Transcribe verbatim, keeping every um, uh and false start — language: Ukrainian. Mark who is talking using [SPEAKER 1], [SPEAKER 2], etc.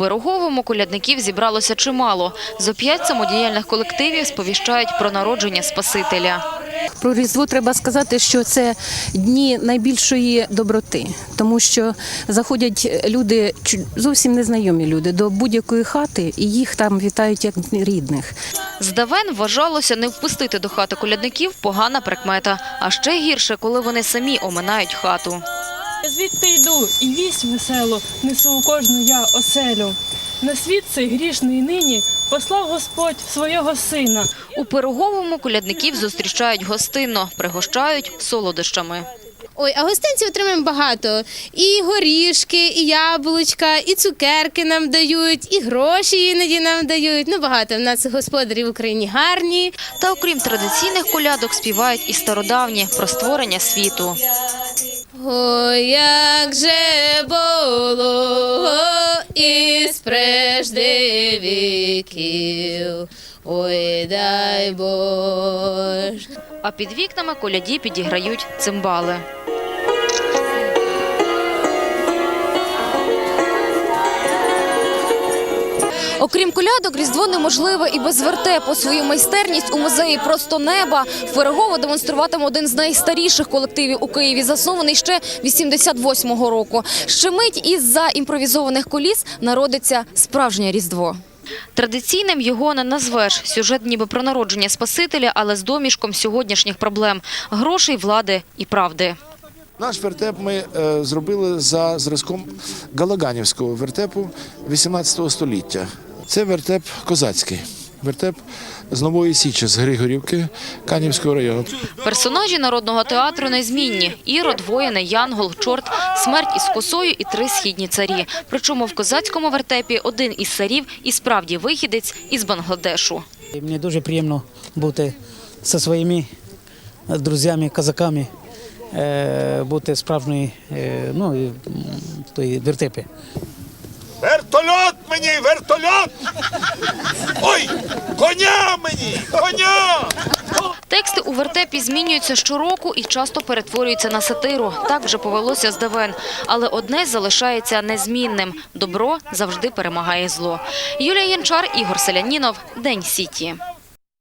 [SPEAKER 1] Пироговому колядників зібралося чимало. Зо п'ять самодіяльних колективів сповіщають про народження Спасителя.
[SPEAKER 2] Про Різдво треба сказати, що це дні найбільшої доброти, тому що заходять люди, зовсім незнайомі люди, до будь-якої хати і їх там вітають як рідних.
[SPEAKER 1] Здавен вважалося, не впустити до хати колядників – погана прикмета. А ще гірше, коли вони самі оминають хату.
[SPEAKER 3] Я звідти йду, і вість веселу несу у кожну я оселю. На світ цей грішний нині послав Господь свого сина.
[SPEAKER 1] У Пироговому колядників зустрічають гостинно, пригощають солодощами.
[SPEAKER 4] Ой, а гостинців отримаємо багато. І горішки, і яблучка, і цукерки нам дають, і гроші іноді нам дають. Ну, багато в нас господарі в Україні гарні.
[SPEAKER 1] Та окрім традиційних колядок співають і стародавні про створення світу.
[SPEAKER 4] Ой, як же було із прежде віків, ой, дай Боже.
[SPEAKER 1] А під вікнами коляді підіграють цимбали. Окрім колядок, Різдво неможливе і без вертепу. Свою майстерність у музеї «Просто неба» в Пирогово демонструватиме один з найстаріших колективів у Києві, заснований ще вісімдесят восьмого року. Ще мить із-за імпровізованих куліс народиться справжнє Різдво. Традиційним його не назвеш. Сюжет ніби про народження Спасителя, але з домішком сьогоднішніх проблем – грошей, влади і правди.
[SPEAKER 5] Наш вертеп ми е, зробили за зразком галаганівського вертепу вісімнадцятого століття. Це вертеп козацький, вертеп з Нової Січі, з Григорівки, Канівського району.
[SPEAKER 1] Персонажі народного театру незмінні – Ірод, воїни, Янгол, чорт, смерть із косою і три східні царі. Причому в козацькому вертепі один із царів і справді вихідець із Бангладешу.
[SPEAKER 6] Мені дуже приємно бути зі своїми друзями, козаками, бути справжньою, ну, в той вертепі.
[SPEAKER 7] Вертольот мені, вертольот! Ой, коня мені, коня!
[SPEAKER 1] Тексти у вертепі змінюються щороку і часто перетворюються на сатиру. Так вже повелося здавен. Але одне залишається незмінним – добро завжди перемагає зло. Юлія Янчар, Ігор Селянінов. День Сіті.